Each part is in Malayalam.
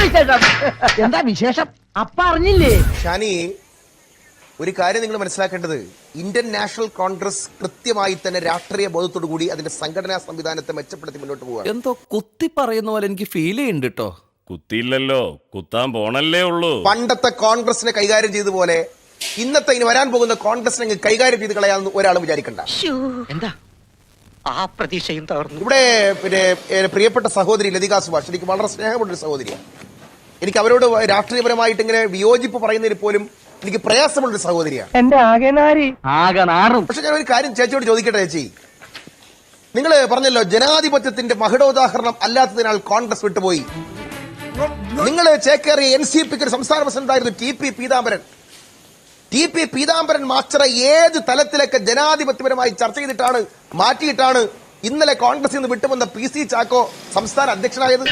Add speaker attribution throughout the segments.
Speaker 1: എന്താ വിശേഷം? അപ്പ അറിഞ്ഞില്ലേ?
Speaker 2: ഷാനി, ഒരു കാര്യം നിങ്ങൾ മനസ്സിലാക്കേണ്ടത്, ഇന്ത്യൻ നാഷണൽ കോൺഗ്രസ് കൃത്യമായി തന്നെ രാഷ്ട്രീയ ബോധത്തോടു കൂടി അതിന്റെ സംഘടനാ സംവിധാനത്തെ മെച്ചപ്പെടുത്തി മുന്നോട്ട് പോവുക.
Speaker 3: എന്തോ കുത്തി പറയുന്ന പോലെ എനിക്ക് ഫീൽ ചെയ്യുന്നുണ്ട് കേട്ടോ.
Speaker 4: കുത്തിയില്ലല്ലോ, കുത്താൻ പോണല്ലേ ഉള്ളൂ.
Speaker 2: പണ്ടത്തെ കോൺഗ്രസിനെ കൈകാര്യം ചെയ്ത പോലെ ഇന്നത്തെ ഇനി വരാൻ പോകുന്ന കോൺഗ്രസിനെ കൈകാര്യം ചെയ്ത് കളയാമെന്ന് ഒരാളും വിചാരിക്കണ്ട.
Speaker 1: എന്താ ആ പ്രതീക്ഷയും തകർന്നു.
Speaker 2: ഇവിടെ പിന്നെ പ്രിയപ്പെട്ട സഹോദരി ലതിക സുഭാഷ്, എനിക്ക് വളരെ സ്നേഹമുള്ളൊരു സഹോദരിയാണ്. എനിക്ക് അവരോട് രാഷ്ട്രീയപരമായിട്ട് ഇങ്ങനെ വിയോജിപ്പ് പറയുന്നതിൽ പോലും എനിക്ക് പ്രയാസമുള്ളൊരു സഹോദരിയാണ്.
Speaker 1: എന്റെ ആകെ നാറും.
Speaker 2: പക്ഷെ ഞാൻ ഒരു കാര്യം ചേച്ചിയോട് ചോദിക്കട്ടെ. ചേച്ചി, നിങ്ങൾ പറഞ്ഞല്ലോ ജനാധിപത്യത്തിന്റെ മഹിടോദാഹരണം അല്ലാത്തതിനാൽ കോൺഗ്രസ് വിട്ടുപോയി. നിങ്ങൾ ചേക്കേറിയ NCPക്ക് ഒരു സംസ്ഥാന പ്രസിഡന്റായിരുന്നു TP പീതാംബരൻ. TP പീതാംബരൻ മാസ്റ്ററെ ഏത് തലത്തിലൊക്കെ ജനാധിപത്യപരമായി ചർച്ച ചെയ്തിട്ടാണ് മാറ്റിയിട്ടാണ് ഇന്നലെ കോൺഗ്രസിൽ നിന്ന് വിട്ടുവന്ന PC ചാക്കോ സംസ്ഥാന അധ്യക്ഷനായത്.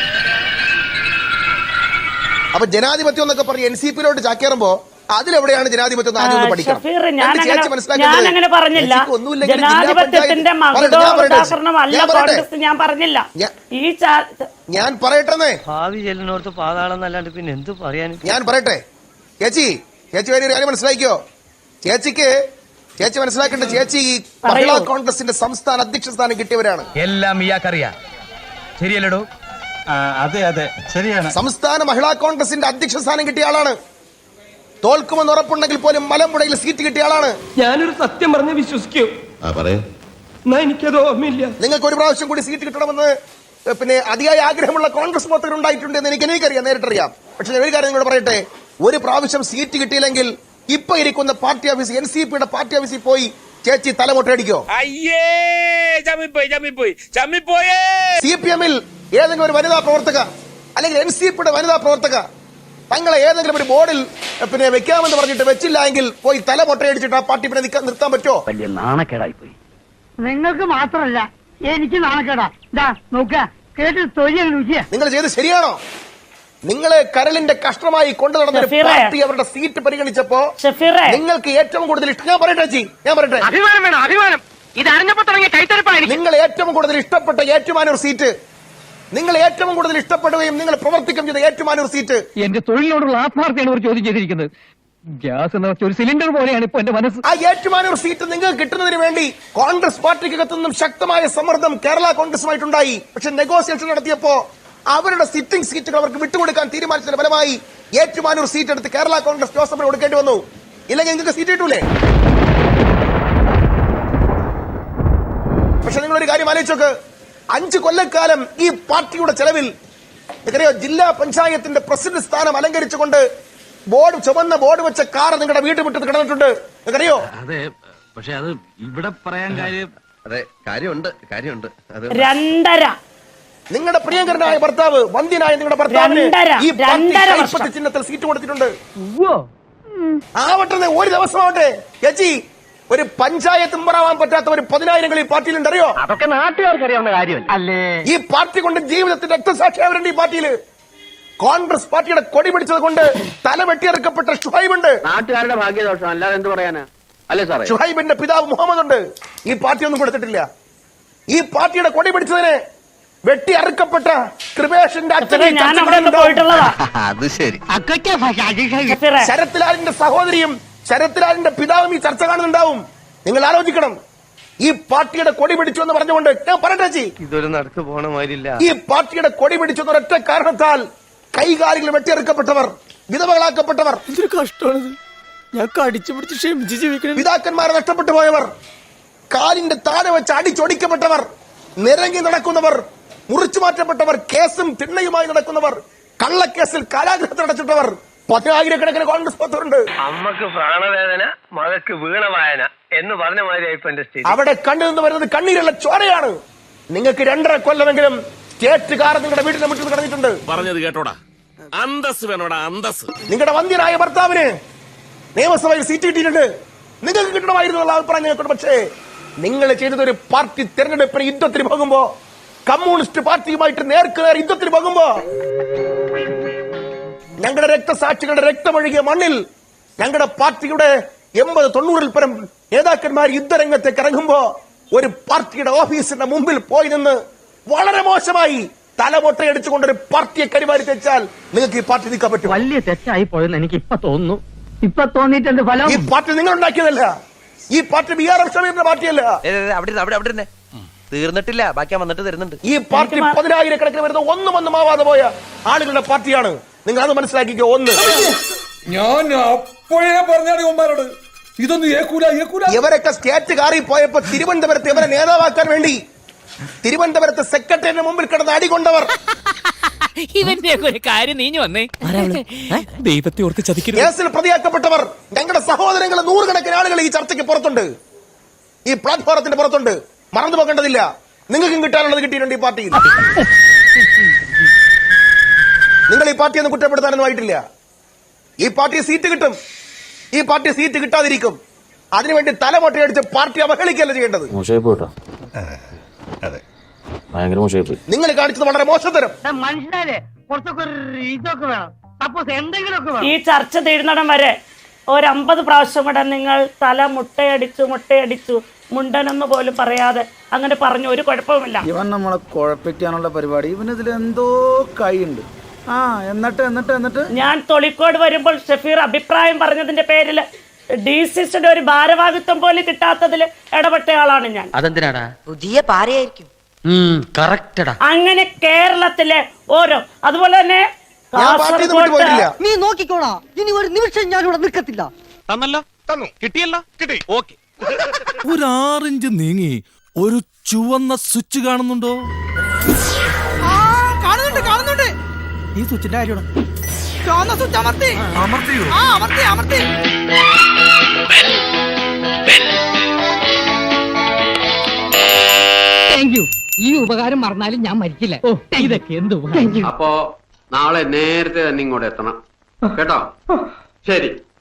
Speaker 2: അപ്പൊ ജനാധിപത്യം എന്നൊക്കെ പറഞ്ഞ് NCPയിലോട്ട് ചാക്കേറുമ്പോ അതിലെവിടെയാണ് ജനാധിപത്യം?
Speaker 5: ഞാനങ്ങനെ പറഞ്ഞില്ല. ജനാധിപത്യത്തിന്റെ മകുടോദാഹരണമല്ല കോൺഗ്രസ്, ഞാൻ പറഞ്ഞില്ല.
Speaker 2: ഞാൻ പറയട്ടെ,
Speaker 1: ഭാവി ചെല്ലിനോർത്ത് പാതാളം എന്നല്ലാണ്ട് പിന്നെ എന്ത് പറയാൻ?
Speaker 2: ഞാൻ പറയട്ടെ. ചേച്ചി വലിയൊരു കാര്യം മനസ്സിലാക്കിയോ? ചേച്ചി മനസ്സിലാക്കേണ്ട, ചേച്ചി മഹിളാ കോൺഗ്രസിന്റെ സംസ്ഥാന അധ്യക്ഷ സ്ഥാനം കിട്ടിയവരാണ്.
Speaker 6: എല്ലാം ഇയാൾക്കറിയാം, ശരിയല്ലടോ?
Speaker 7: അതെ ശരിയാണ്.
Speaker 2: സംസ്ഥാന മഹിളാ കോൺഗ്രസിന്റെ അധ്യക്ഷ സ്ഥാനം കിട്ടിയ ആളാണ്. തോൽക്കുമെന്ന് ഉറപ്പുണ്ടെങ്കിൽ പോലും മലമ്പുഴയിൽ സീറ്റ് കിട്ടിയ ആളാണ്.
Speaker 8: ഞാനൊരു സത്യം പറഞ്ഞ് വിശ്വസിക്കൂ? എനിക്കത് ഓർമ്മയില്ല.
Speaker 2: നിങ്ങൾക്ക് ഒരു പ്രാവശ്യം കൂടി സീറ്റ് കിട്ടണമെന്ന് പിന്നെ അതിയായ ആഗ്രഹമുള്ള കോൺഗ്രസ് പ്രവർത്തകർ ഉണ്ടായിട്ടുണ്ട് എന്ന് എനിക്കറിയാം, നേരിട്ടറിയാം. പക്ഷെ ഒരു കാര്യം നിങ്ങളോട് പറയട്ടെ, ഒരു പ്രാവശ്യം സീറ്റ് കിട്ടിയില്ലെങ്കിൽ ഇപ്പൊ ഇരിക്കുന്ന പാർട്ടി ഓഫീസ് NCPയുടെ പാർട്ടി ഓഫീസിൽ പോയി ചേച്ചി തലമുട്ടയടിക്കോ? CPMൽ ഏതെങ്കിലും ഒരു വനിതാ പ്രവർത്തക അല്ലെങ്കിൽ NCPയുടെ വനിതാ പ്രവർത്തക തങ്ങളെ ഏതെങ്കിലും ഒരു ബോർഡിൽ പിന്നെ വെക്കാമെന്ന് പറഞ്ഞിട്ട് വെച്ചില്ല എങ്കിൽ പോയി തല മുട്ടയടിച്ചിട്ട് ആ പാർട്ടി പിന്നെ നിർത്താൻ പറ്റുമോ?
Speaker 1: വലിയ നാണക്കേടായി പോയി. നിങ്ങൾക്ക് മാത്രമല്ല എനിക്ക് നാണക്കേടാ. നോക്ക കേട്ട് തൊഴിൽ
Speaker 2: നിങ്ങൾ ചെയ്ത് ശരിയാണോ? നിങ്ങള് കരളിന്റെ കഷ്ടമായി കൊണ്ടു നടന്ന പാർട്ടി അവരുടെ സീറ്റ് പരിഗണിച്ചപ്പോ നിങ്ങൾക്ക് ഏറ്റവും കൂടുതൽ ഇഷ്ടം, ഞാൻ പറയട്ടെ,
Speaker 1: അഭിമാനം വേണം, അഭിമാനം. ഇത് അറിഞ്ഞപ്പോ തുടങ്ങിയ കൈത്തരപ്പായി.
Speaker 2: നിങ്ങൾ ഏറ്റവും കൂടുതൽ ഇഷ്ടപ്പെട്ട ഏറ്റുമാനൂർ സീറ്റ്, നിങ്ങൾ ഏറ്റവും കൂടുതൽ ഇഷ്ടപ്പെടുകയും നിങ്ങൾ പ്രവർത്തിക്കുകയും ചെയ്ത ഏറ്റുമാനൂർ സീറ്റ്.
Speaker 1: എന്റെ തൊഴിലിനോടുള്ള ആത്മാർത്ഥയാണ് ഒരു ചോദ്യം ചെയ്തിരിക്കുന്നത്. ഗ്യാസ് എന്ന ഒരു സിലിണ്ടർ പോലെയാണ് ഇപ്പൊ എന്റെ മനസ്സ്.
Speaker 2: ആ ഏറ്റുമാനൂർ സീറ്റ് നിങ്ങൾക്ക് കിട്ടുന്നതിന് വേണ്ടി കോൺഗ്രസ് പാർട്ടിക്കകത്തുനിന്നും ശക്തമായ സമ്മർദ്ദം കേരള കോൺഗ്രസുമായിട്ടുണ്ടായി. പക്ഷെ നെഗോസിയേഷൻ നടത്തിയപ്പോ അവരുടെ സിറ്റിംഗ് സീറ്റുകൾ അവർക്ക് വിട്ടുകൊടുക്കാൻ തീരുമാനിച്ചതിന്റെ ഫലമായി ഏറ്റുമാനൂർ സീറ്റ് എടുത്ത് കേരള കോൺഗ്രസ് ജോസഫിന് കൊടുക്കേണ്ടി വന്നു. ഇല്ലെങ്കിൽ നിങ്ങൾക്ക് സീറ്റ് കിട്ടൂലേ? പക്ഷെ നിങ്ങളൊരു കാര്യം ആലോചിച്ചോക്ക്, 5 കൊല്ലക്കാലം ഈ പാർട്ടിയുടെ ചെലവിൽ നിങ്ങൾക്കറിയോ, ജില്ലാ പഞ്ചായത്തിന്റെ പ്രസിഡന്റ് സ്ഥാനം അലങ്കരിച്ചുകൊണ്ട് ചുമന്ന ബോർഡ് വെച്ച കാർ നിങ്ങളുടെ വീട്ടുമുറ്റത്ത് കിടന്നിട്ടുണ്ട്. നിങ്ങൾക്കറിയോ?
Speaker 6: അതെ, പക്ഷെ അത് ഇവിടെ പറയാൻ കാര്യമുണ്ട്.
Speaker 5: 2.5
Speaker 2: നിങ്ങളുടെ പ്രിയങ്കരനായ ഭർത്താവ്, വന്ധ്യനായ നിങ്ങളുടെ ഭർത്താവിന് ഈ പാർട്ടി ചിഹ്നത്തിൽ സീറ്റ് കൊടുത്തിട്ടുണ്ട്. ആവട്ടെ, ഒരു ദിവസമാവട്ടെ ചേച്ചി, ഒരു പഞ്ചായത്ത് മെമ്പറാവാൻ പറ്റാത്ത ഒരു 10,000 ഈ പാർട്ടിയിലുണ്ട്. അറിയോ?
Speaker 1: അതൊക്കെ നാട്ടുകാർക്ക് അറിയാവുന്ന കാര്യം അല്ലേ?
Speaker 2: ഈ പാർട്ടി കൊണ്ട് ജീവിതത്തിന്റെ രക്തസാക്ഷിയാവരുണ്ട്. ഈ പാർട്ടിയിൽ കോൺഗ്രസ് പാർട്ടിയുടെ കൊടി പിടിച്ചത് കൊണ്ട് തല വെട്ടിയെറുക്കപ്പെട്ട ഷുഹൈബ് ഉണ്ട്.
Speaker 1: നാട്ടുകാരുടെ ഭാഗ്യദോഷം, അല്ലാതെ എന്ത് പറയാനാ? അല്ലേ സാറേ?
Speaker 2: ഷുഹൈബിന്റെ പിതാവ് മുഹമ്മദ് ഉണ്ട്. ഈ പാർട്ടി ഒന്നും കൊടുത്തിട്ടില്ല. ഈ പാർട്ടിയുടെ കൊടി പിടിച്ചതിന് വെട്ടി അറുക്കപ്പെട്ട കൃപേഷിന്റെ
Speaker 3: അത് ശരി.
Speaker 2: ശരത്ലാലിന്റെ സഹോദരിയും ശരത്ലാലിന്റെ പിതാവും ഈ ചർച്ച കാണുന്നുണ്ടാവും. നിങ്ങൾ ആലോചിക്കണം. ഈ പാർട്ടിയുടെ കൊടി പിടിച്ചു എന്ന് പറഞ്ഞുകൊണ്ട് ഞാൻ പറയട്ടെ,
Speaker 7: ഇതൊരു നടക്ക് പോണ മാതിരില്ല.
Speaker 2: ഈ പാർട്ടിയുടെ കൊടി പിടിച്ചു ഒരൊറ്റ കാരണത്താൽ കൈകാലുകൾ വെട്ടിയെറുക്കപ്പെട്ടവർ, വിധവകളാക്കപ്പെട്ടവർ,
Speaker 8: ഇതൊരു കഷ്ടമാണിത്. ഞാൻ കടിച്ചു പിടിച്ച് ക്ഷമിച്ച് ജീവിക്കണം.
Speaker 2: പിതാക്കന്മാരെ നഷ്ടപ്പെട്ടു പോയവർ, കാലിന്റെ താഴെ വെച്ച് അടിച്ചൊടിക്കപ്പെട്ടവർ, നിരങ്ങി നടക്കുന്നവർ, മുറിച്ചു മാറ്റപ്പെട്ടവർ, കേസും തിണ്ണയുമായി നടക്കുന്നവർ, കള്ളക്കേസിൽ കാരാഗ്രഹത്തിൽ അടച്ചിട്ടവർ, 10,000 കോൺഗ്രസ് പ്രവർത്തകരുണ്ട്.
Speaker 7: അമ്മക്ക് പ്രാണവേദന, മകക്ക് വീണവായന എന്ന് പറഞ്ഞ മാതിരിയായിപ്പോ എന്റെ സ്ഥിതി.
Speaker 2: അവിടെ കണ്ണു നിന്ന് വരുന്നത് കണ്ണീരുള്ള ചോരയാണ്. നിങ്ങൾക്ക് 2.5 കൊല്ലമെങ്കിലും സ്റ്റേറ്റ് കാർ നിങ്ങളുടെ വീട്ടിലെ മുറ്റത്ത് കിടന്നിട്ടുണ്ട്.
Speaker 4: പറഞ്ഞത് കേട്ടോടാ, അന്തസ് വേണോടാ, അന്തസ്.
Speaker 2: നിങ്ങളുടെ വന്ധ്യനായ ഭർത്താവിന് നിയമസഭയിൽ സീറ്റ് കിട്ടിയിട്ടുണ്ട്. നിങ്ങൾക്ക് കിട്ടണമായിരുന്നു എന്നുള്ള അഭിപ്രായം ഞങ്ങൾക്കുണ്ട്. പക്ഷേ നിങ്ങൾ ചെയ്തത് ഒരു പാർട്ടി തെരഞ്ഞെടുപ്പിന് യുദ്ധത്തിന് പോകുമ്പോ, കമ്മ്യൂണിസ്റ്റ് പാർട്ടിയുമായിട്ട് നേർക്കുനേർ യുദ്ധത്തിന് പോകുമ്പോ, ഞങ്ങളുടെ രക്തസാക്ഷികളുടെ രക്തമൊഴുകിയ മണ്ണിൽ ഞങ്ങളുടെ പാർട്ടിയുടെ 80-90 പരം നേതാക്കന്മാർ യുദ്ധരംഗത്തേക്ക് ഇറങ്ങുമ്പോ ഒരു പാർട്ടിയുടെ ഓഫീസിന്റെ മുമ്പിൽ പോയി നിന്ന് വളരെ മോശമായി തലമൊട്ടയടിച്ചുകൊണ്ട് ഒരു പാർട്ടിയെ കരിമാരി തെച്ചാൽ നിങ്ങൾക്ക് ഈ പാർട്ടി നിൽക്കാൻ പറ്റും.
Speaker 1: വലിയ തെറ്റായി പോയെന്ന് എനിക്ക് ഇപ്പൊ തോന്നുന്നു. ഇപ്പൊ തോന്നിയിട്ടുണ്ട് ഫലം.
Speaker 2: ഈ പാർട്ടി നിങ്ങൾ ഉണ്ടാക്കിയതല്ല. ഈ പാർട്ടി BRM ഷമീറിന്റെ പാർട്ടിയല്ല.
Speaker 8: അവിടെ തീർന്നിട്ടില്ല, ബാക്കി വന്നിട്ട് തരുന്നുണ്ട്.
Speaker 2: ഈ പാർട്ടി 10,000 വരുന്ന ഒന്നും ആവാതെ പോയ ആളുകളുടെ പാർട്ടിയാണ്. നിങ്ങൾ അത് മനസ്സിലാക്കിക്കോ. ഒന്ന്,
Speaker 9: ഞാൻ അപ്പോഴേ പറഞ്ഞാണ് ഉമ്മാരോട് ഇതൊന്നും ഏക്കൂല.
Speaker 2: ഇവരൊക്കെ സ്റ്റേറ്റ് കാറി പോയപ്പോ തിരുവനന്തപുരത്ത് ഇവരെ നേതാവാക്കാൻ വേണ്ടി തിരുവനന്തപുരത്ത് സെക്രട്ടറിയുടെ മുമ്പിൽ കിടന്ന് അടികൊണ്ടവർ,
Speaker 8: ഇവന്റെ ഒരു കാര്യം നീഞ്ഞു വന്നേ. ദൈവത്തെ ഓർത്ത് ചതിക്കരുത്.
Speaker 2: കേസിൽ പ്രതിയാക്കപ്പെട്ടവർ, ഞങ്ങളുടെ സഹോദരങ്ങൾ 100 കണക്കിന് ആളുകൾ ഈ ചർച്ചയ്ക്ക് പുറത്തുണ്ട്, ഈ പ്ലാറ്റ്ഫോറത്തിന്റെ പുറത്തുണ്ട്. മറന്നു പോകേണ്ടതില്ല. നിങ്ങൾക്കും കിട്ടാനുള്ളത് കിട്ടിയിട്ടുണ്ട് ഈ പാർട്ടിയിൽ. നിങ്ങൾ ഈ പാർട്ടിയൊന്നും കുറ്റപ്പെടുത്താനൊന്നും ആയിട്ടില്ല. ഈ പാർട്ടി സീറ്റ് കിട്ടും, ഈ പാർട്ടി സീറ്റ് കിട്ടാതിരിക്കും. അതിനുവേണ്ടി തലമൊട്ടയടിച്ച് പാർട്ടി അവഹേളിക്കല്ല ചെയ്യേണ്ടത്. നിങ്ങൾ കാണിച്ചത് വളരെ മോശത്തരം.
Speaker 1: മനുഷ്യരെ കുറച്ചൊക്കെ ഇതൊക്കെ വേണം. സപ്പോസ് എന്തെങ്കിലുമൊക്കെ വേണം.
Speaker 5: ഈ ചർച്ച തീരുന്നിടം വരെ ഒരു 50 പ്രാവശ്യം കൂടെ നിങ്ങൾ തല മുട്ടയടിച്ചു മുണ്ടനെന്ന് പോലും പറയാതെ അങ്ങനെ പറഞ്ഞു. ഒരു കുഴപ്പവുമില്ല.
Speaker 10: ഇവൻ നമ്മളെ കുഴപ്പിക്കാനുള്ള പരിപാടി, ഇവനിതിൽ എന്തോ കൈയുണ്ട്. എന്നിട്ട്
Speaker 5: ഞാൻ തൊളിക്കോട് വരുമ്പോൾ ഷഫീർ അഭിപ്രായം പറഞ്ഞതിന്റെ പേരിൽ DCCയുടെ ഒരു ഭാരവാഹിത്വം പോലും കിട്ടാത്തതിൽ ഇടപെട്ടയാളാണ് ഞാൻ.
Speaker 8: അതെന്തിനാടാ?
Speaker 11: പുതിയ പാരയായിരിക്കും.
Speaker 8: കറക്റ്റടാ.
Speaker 5: അങ്ങനെ കേരളത്തിലെ ഓരോ, അതുപോലെ തന്നെ
Speaker 2: ഞാൻ പാർട്ടിയൊന്നും വിട്ടു പോയിട്ടില്ല.
Speaker 11: നീ നോക്കിക്കോളാ, ഇനി ഒരു നിമിഷം ഞാൻ ഇവിടെ നിൽക്കത്തില്ല.
Speaker 4: തന്നു കിട്ടിയല്ലോ കിട്ടി. ഓക്കെ,
Speaker 3: ഒരു 6 ഇഞ്ച് നീങ്ങി ഒരു ചുവന്ന സ്വിച്ച് കാണുന്നുണ്ടോ?
Speaker 1: കാണുന്നുണ്ട്.
Speaker 10: ഈ സ്വിച്ചിന്റെ കാര്യമാണ്.
Speaker 1: ചുവന്ന സ്വിച്ച് അമർത്തി. Thank you. ഈ ഉപകാരം മറന്നാലും ഞാൻ മരിക്കില്ല. ഇതൊക്കെ എന്ത് ഉപകാരം.
Speaker 7: അപ്പോ നാളെ നേരത്തെ തന്നെ ഇങ്ങോട്ട് എത്തണം കേട്ടോ. ശരി.